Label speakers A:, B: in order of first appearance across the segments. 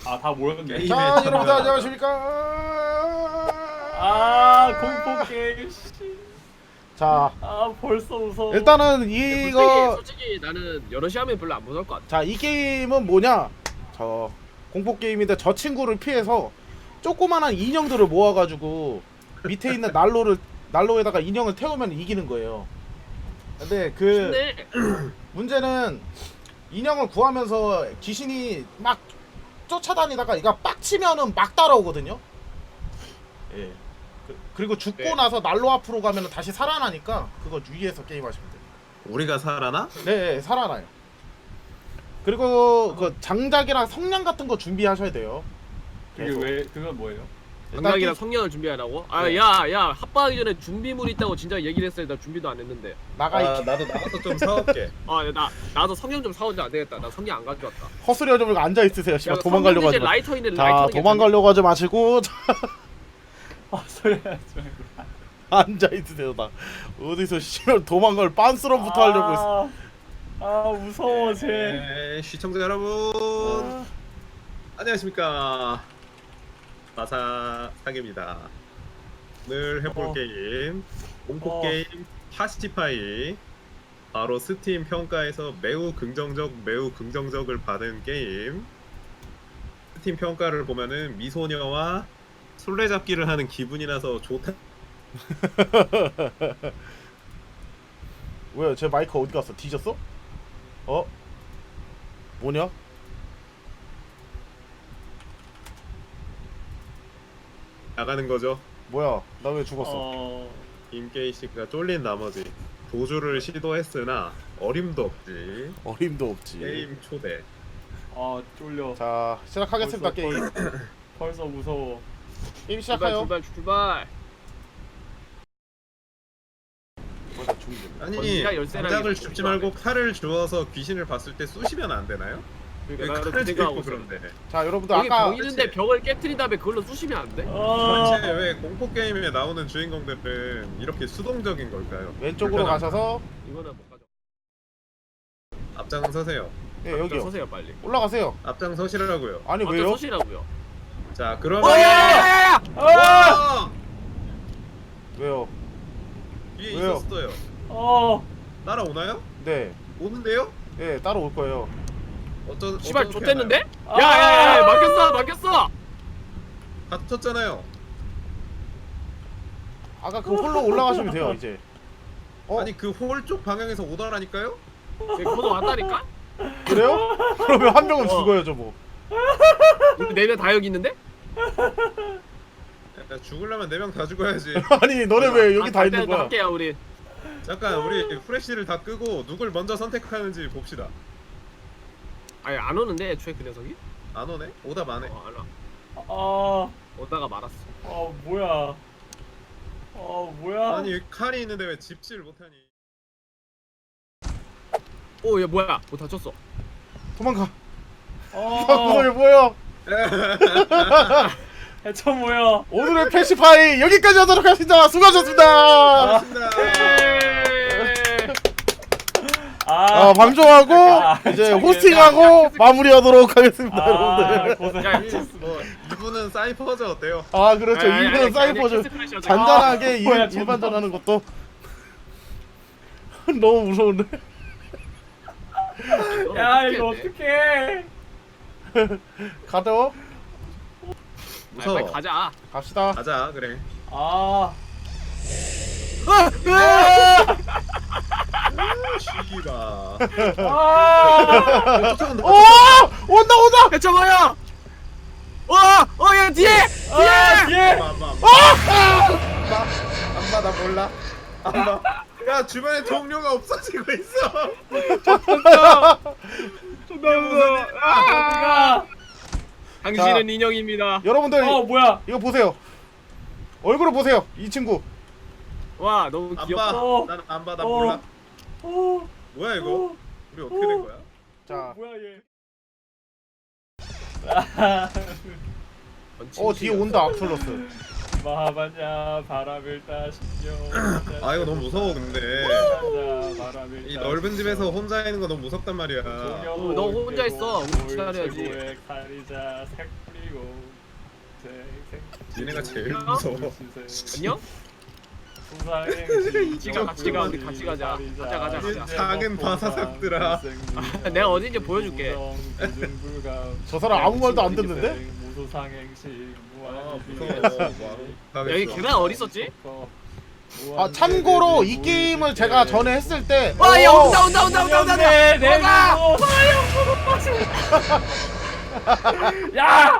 A: 아, 다 모였네.
B: 게임에
C: 자, 여러분들
B: 참여하다.
C: 안녕하십니까?
A: 아, 공포 게임. 씨.
C: 자,
A: 아, 벌써 무서워.
C: 일단은
D: 솔직히,
C: 이거
D: 솔직히 나는 여러 시 하면 별로 안 무서울 것 같아.
C: 자, 이 게임은 뭐냐? 저 공포 게임인데 저 친구를 피해서 조그만한 인형들을 모아가지고 밑에 있는 난로에다가 인형을 태우면 이기는 거예요. 근데 그
D: 근데
C: 문제는 인형을 구하면서 귀신이 막 쫓아다니다가 이가 빡치면은 막 따라오거든요. 예. 그리고 죽고
D: 네.
C: 나서 난로 앞으로 가면은 다시 살아나니까 그거 유의해서 게임하시면 돼요.
B: 우리가 살아나?
C: 네, 살아나요. 그리고 그 장작이랑 성냥 같은 거 준비하셔야 돼요.
A: 그게 왜, 그건 뭐예요?
D: 장작이랑
C: 게-
D: 성냥을 준비하라고?
C: 네.
D: 야 합방하기 전에 준비물 있다고 진짜 얘기를 했어야 나 준비도 안 했는데.
C: 나가
B: 아, 나도 나가서 좀 사올게.
D: 나도 성냥 좀 사오지 안 되겠다. 나 성냥 안 가져왔다.
C: 허스려져 버리고 앉아 있으세요. 씨발 도망가려고 하지 마.
D: 라이터 있는
C: 자,
D: 라이터.
C: 도망가려고 하지 마시고
A: 아, 소리 하지 말고.
C: 앉아 있으세요. 나 어디서 씨발 도망갈 빤스럼부터 하려고 했어.
A: 아, 무서워, 쟤.
B: 네, 시청자 여러분
A: 아,
B: 안녕하십니까. 마사상입니다. 오늘 해볼 게임 공포 게임 파시티파이. 바로 스팀 평가에서 매우 긍정적을 받은 게임. 스팀 평가를 보면은 미소녀와 술래잡기를 하는 기분이 나서 좋다.
C: 왜요? 제 마이크 어디 갔어? 뒤졌어? 어? 뭐냐?
B: 나가는 거죠.
C: 뭐야? 나 왜 죽었어?
B: 임게이 씨가 쫄린 나머지 도주를 시도했으나 어림도 없지.
C: 어림도 없지.
B: 게임 초대.
A: 아, 쫄려.
C: 자, 시작하겠습니다. 게임.
A: 벌써 무서워.
C: 게임
D: 출발
C: 시작해요.
D: 출발.
C: 뭐야, 죽이네.
B: 아니
D: 번지가 열쇠랑
B: 장작을
D: 이렇게
B: 줍지
D: 좋아하네.
B: 말고 칼을 주워서 귀신을 봤을 때 쑤시면 안 되나요? 왜
D: 그러니까 나도
B: 칼을
D: 그
B: 들고
D: 생각하고
B: 그런데?
C: 자, 여러분들
D: 여기
C: 아까
D: 병 있는데
B: 그치.
D: 병을 깨트린 다음에 그걸로 쑤시면 안 돼?
B: 도대체 왜 공포 게임에 나오는 주인공들은 이렇게 수동적인 걸까요?
C: 왼쪽으로
B: 불편함.
C: 가셔서
D: 이거는 못 가져.
B: 앞장 서세요.
C: 예,
D: 여기
C: 여기요.
D: 서세요 빨리.
C: 올라가세요.
B: 앞장 서시라고요.
C: 아니
D: 어떤
C: 왜요?
D: 서시라고요?
B: 자 그러면
D: 야야야야!
B: 와!
C: 왜요?
B: 위에
C: 왜요?
B: 있었어요. 따라오나요?
C: 네.
B: 오는데요?
C: 예, 따로 올 거예요.
D: 씨발
B: 어떻게
D: 좆됐는데?
A: 아!
D: 야야야 막혔어.
B: 하나요? 갇혔잖아요.
C: 아까 그 홀로 올라가시면 돼요, 이제. 어?
B: 아니 그 홀 쪽 방향에서 오더라니까요?
D: 거기 왔다니까?
C: 그래요? 그러면 한 명은
D: 어.
C: 죽어요, 저 뭐.
D: 우리 네명 다 여기 있는데?
B: 야, 죽으려면 4명 다 죽어야지.
C: 아니, 너네 왜 여기 다 있는 거야?
D: 할게요 우리.
B: 잠깐 우리 후레쉬를 다 끄고 누굴 먼저 선택하는지 봅시다.
D: 아니 안 오는데 애초에 그 녀석이?
B: 안 오네? 오다 마네.
D: 안 와.
A: 아,
D: 오다가 말았어.
A: 뭐야. 뭐야.
B: 아니 칼이 있는데 왜 집지를 못하니?
D: 오얘 뭐야? 뭐 다쳤어?
C: 도망가.
A: 어,
C: 이게 뭐야?
A: 해쳐 뭐야.
C: 오늘의 패시파이 여기까지 하도록 하겠습니다. 수고하셨습니다.
B: 반갑습니다.
C: 방송하고 이제
A: 저기,
C: 호스팅하고 마무리하도록 하겠습니다, 여러분들.
A: 고생하셨습니다.
B: 뭐 이분은 사이퍼즈 어때요?
C: 아, 그렇죠. 이분은 사이퍼즈 잔잔하게
A: 뭐야,
C: 일반전 하는 것도 너무 무서운데.
A: 야, 이거 어떡해.
C: 가죠.
B: 무서워.
D: 빨리 가자.
C: 갑시다.
B: 가자 그래. 쉬기가. 쫓아온다.
C: 오! 온다.
D: 해쳐봐요. 어야 뒤에.
A: 뒤에.
B: 안봐 나 몰라. 안봐. 야 주변에 동료가 없어지고 있어.
A: 어디가?
D: 당신은 인형입니다.
C: 여러분들
A: 뭐야.
C: 이거 보세요. 얼굴을 보세요. 이 친구.
D: 와 너무
B: 안
D: 귀엽다.
B: 봐. 나는 안 봐. 나 몰라.
A: 어,
B: 뭐야 이거? 우리 어떻게 된 거야?
C: 자,
A: 뭐야 얘.
C: 뒤에 온다. 악플러스.
A: 마하바냐 바람을 따시며.
B: 아 이거 너무 무서워 근데.
A: 바람을
B: 이 넓은 집에서 혼자 있는 거 너무 무섭단 말이야.
D: 너 혼자 있어. 우리 기다려야지.
A: 칼이자 색 뿌리고.
B: 니네가 제일 무서워.
D: 안녕? 같이 가, 우리 같이 가자. 가자.
B: 작은 바사삭들아.
D: 내가 어딘지 보여줄게.
C: 저 사람 아무 말도 안 듣는데?
B: 아 무서워.
D: 여기 계단 어디 있었지?
C: 아 참고로 이 게임을 제가 전에 했을 때
D: 와, 야 온다.
A: 내 야!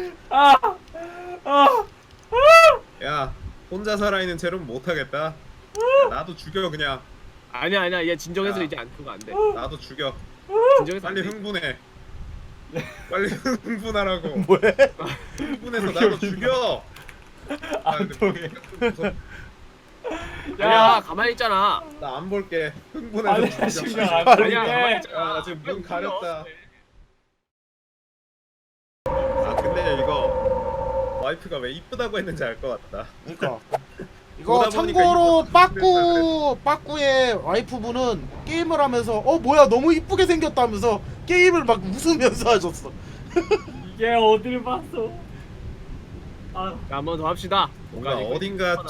B: 야 혼자 살아있는 채로는 못하겠다. 나도 죽여 그냥.
D: 아니야, 얘 진정해서
B: 야.
D: 이제 안 그거 안 돼.
B: 나도 죽여.
D: 진정해서 안
B: 빨리
D: 돼.
B: 흥분해. 빨리 흥분하라고.
C: 뭐해?
B: 흥분해서 나도 죽여.
A: 안 통해.
D: 야, 가만히 있잖아.
B: 나 안 볼게.
A: 아니
B: 흥분해서 죽여.
A: 신경 안
D: 아니야, 가만히
A: 쓰게.
D: 있잖아.
B: 야, 나 지금 눈 가렸다. 아 근데 이거 와이프가 왜 이쁘다고 했는지 알 것 같다.
C: 그러니까 이거
B: 보다 보니까
C: 참고로
B: 이거
C: 빠꾸의 와이프분은 게임을 하면서 뭐야 너무 이쁘게 생겼다면서 게임을 막 웃으면서 하셨어.
A: 이게 어딜 봤어? 아,
D: 자, 한 번 더 합시다.
B: 뭔가 어딘가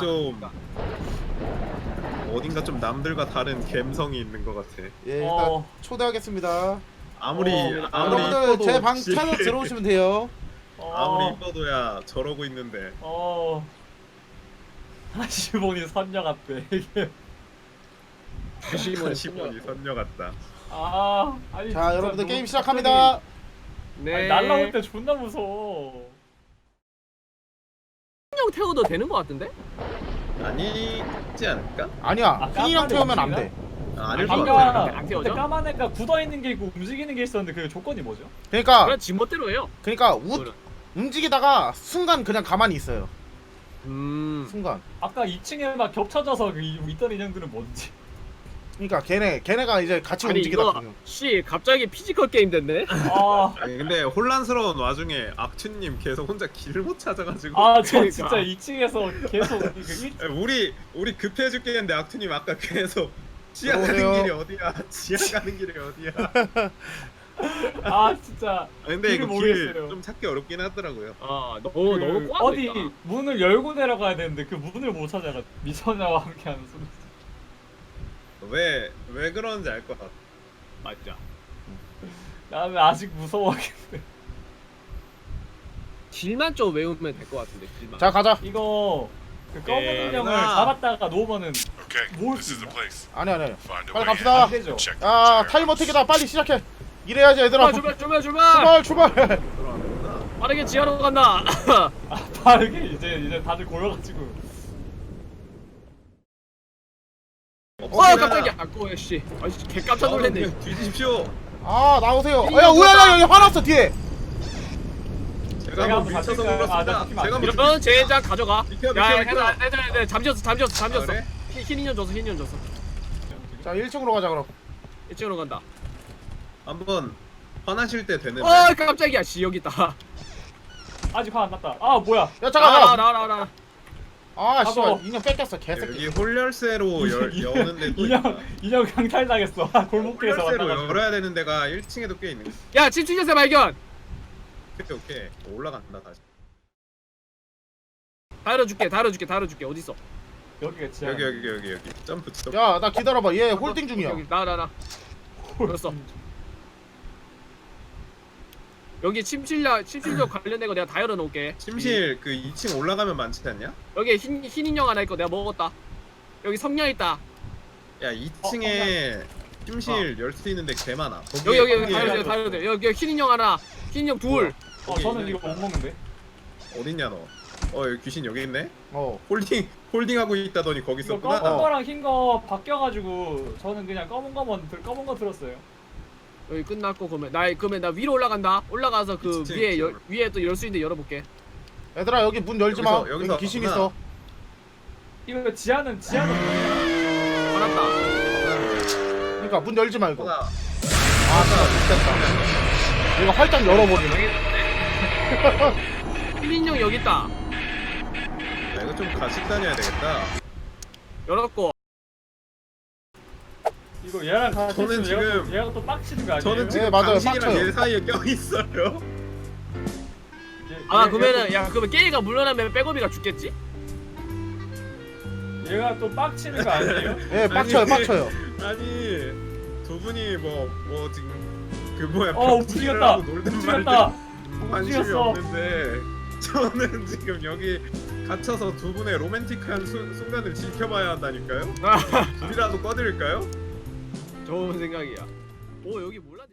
B: 좀 남들과 다른 감성이 있는 것 같아.
C: 예 일단
A: 어.
C: 초대하겠습니다.
B: 아무리
C: 여러분들
B: 이뻐도
C: 제 방
B: 지-
C: 찾아 들어오시면 돼요.
B: 아무리 이뻐도야 저러고 있는데.
A: 하시보니 선녀 같대. 이게.
D: 다시 한번
B: 시보니 선녀 같다.
A: 아니.
C: 자
A: 진짜
C: 여러분들
A: 너무
C: 게임 시작합니다.
D: 네.
A: 아니, 날라올 때 존나 무서워.
D: 형 태워도 되는 거 같은데?
B: 아니지 않을까?
C: 아니야 흰이랑 태우면 안 돼.
B: 아닐 것
D: 아닌가?
B: 같아.
A: 아까
D: 안
A: 그때
D: 태워져?
A: 까만 애가 굳어 있는 게 있고 움직이는 게 있었는데 그 조건이 뭐죠?
C: 그러니까
D: 그냥 지 멋대로 해요.
C: 그러니까 움직이다가 순간 그냥 가만히 있어요. 순간.
A: 아까 2층에 막 겹쳐져서 있던 인형들은 뭔지.
C: 그러니까 걔네가 이제 같이
D: 아니
C: 움직이다
D: 이거
C: 보면.
D: 갑자기 피지컬 게임 됐네.
B: 아니 근데 혼란스러운 와중에 악취님 계속 혼자 길을 못 찾아가지고.
A: 저
D: 그러니까.
A: 진짜 2층에서 계속
B: 우리 급해죽게 했는데 악취님 아까 계속 지하 가는
C: 들어오세요.
B: 길이 어디야? 지하 가는 길이 어디야?
A: 진짜.
B: 근데
A: 길을
B: 이거
A: 모르겠어요.
B: 길 좀 찾기 어렵긴 하더라고요.
D: 너무 꼬아.
A: 어디 문을 열고 내려가야 되는데 그 문을 못 찾아가. 미소녀와 함께하는 순간.
B: 왜 그런지 알 것 같아.
D: 맞자.
A: 나는 아직 무서워하겠네.
D: 길만 좀 외우면 될 것 같은데. 길만.
C: 자 가자.
A: 이거 그 검은
D: 예.
A: 인형을
B: 아.
A: 잡았다가 놓으면은
E: Okay,
A: 모을
E: this
A: 수
E: is the
A: 있나?
E: place.
C: 아니
E: Find a
C: 빨리
E: way
C: 갑시다.
A: 안 되죠.
E: Check the
C: 야
E: entire
C: 타이머
E: house.
C: 택이다 빨리 시작해. 이래야지 얘들아.
D: 출발.
C: 출발.
D: 빠르게 지하로 간다.
A: 빠르게 이제 다들 고여가지고.
D: 깜짝이야. 꼬야 씨. 아이씨 개 깜짝 놀랐네.
B: 그냥 뒤지십시오.
C: 아 나오세요. 야 우야야 여기 화났어 뒤에.
B: 제가
A: 한번
B: 한번 밀쳐서
A: 잡힐까요? 나
B: 눌렀습니다.
A: 잡히면 안
B: 제가
A: 돼.
B: 한번
D: 이러면 젠장 가져가.
B: 비켜,
D: 야,
B: 비켜.
D: 해라. 잠겼어.
B: 그래?
D: 흰 인형 줬어.
C: 자 1층으로 가자 그럼.
D: 이쪽으로 간다.
B: 한번 화나실 때 되는데.
D: 깜짝이야. 씨 여기 있다.
A: 아직 화 안 났다. 뭐야?
C: 야 잠깐.
D: 나와.
C: 아 씨발
A: 가서.
C: 인형 뺏겼어 개새끼.
B: 여기 홀열쇠로 여는데 또 있다.
A: 인형 강탈 당했어. 골목길에서
B: 홀열쇠로
A: 만나가지고.
B: 열어야 되는 데가 1층에도 꽤 있는.
D: 야, 침출제세 발견.
B: 오케이. 올라간다 다시.
D: 다 열어줄게. 어디 있어?
A: 여기가 지하.
B: 여기. 점프.
C: 야 나 기다려봐 얘 홀딩 중이야.
D: 여기 나. 열었어. 여기 침실력 관련된 거 내가 다 열어놓을게.
B: 침실 그 2층 올라가면 많지 않냐?
D: 여기 흰 인형 하나 있고 내가 먹었다. 여기 성냥 있다.
B: 야 2층에 침실 열 수 있는데 개 많아.
D: 여기
A: 거기에-
D: 다 열어돼. 여기 흰 인형 하나, 흰 인형 둘.
A: 저는 이거 못 먹는데.
B: 어딨냐 너? 여기 귀신 여기 있네?
C: 어.
B: 홀딩하고 있다더니 거기
A: 이거
B: 있었구나.
A: 검은 거랑 흰 거 바뀌어가지고 저는 그냥 검은 거 들었어요.
D: 여기 끝났고 그러면 나 위로 올라간다. 올라가서 그
B: 진짜
D: 위에
B: 진짜.
D: 위에 또 열 수 있는데 열어볼게.
C: 얘들아 여기 문 열지 마.
B: 여기서
C: 여기 귀신
B: 왔구나.
C: 있어.
A: 이거 지하는
D: 알았다.
C: 그러니까 문 열지 말고.
B: 하나.
C: 아 진짜 됐다. 이거 활짝 열어버리네.
D: 흰 인형 여기 있다.
B: 이거 좀 같이 다녀야 되겠다.
D: 열었고.
A: 이거 얘랑 같이
B: 저는
A: 있으면
B: 지금-
A: 얘가 또 빡치는 거 아니에요?
B: 저는 지금
C: 맞아요,
B: 당신이랑
C: 빡쳐요.
B: 얘 사이에 껴 있어요.
D: 아 그러면은 야 그러면 게이가 물러나면 백업이가 죽겠지?
A: 얘가 또 빡치는 거 아니에요?
C: 예, 빡쳐요,
B: 아니,
C: 빡쳐요.
B: 아니 두 분이 뭐 지금 그 뭐야
A: 움직였다.
B: 벽치기를 하고 놀든
A: 움직였다.
B: 말든 관심이
A: 움직였어.
B: 없는데 저는 지금 여기 갇혀서 두 분의 로맨틱한 순간을 지켜봐야 한다니까요. 불이라도 꺼드릴까요?
D: 좋은 생각이야. 오 여기 뭐?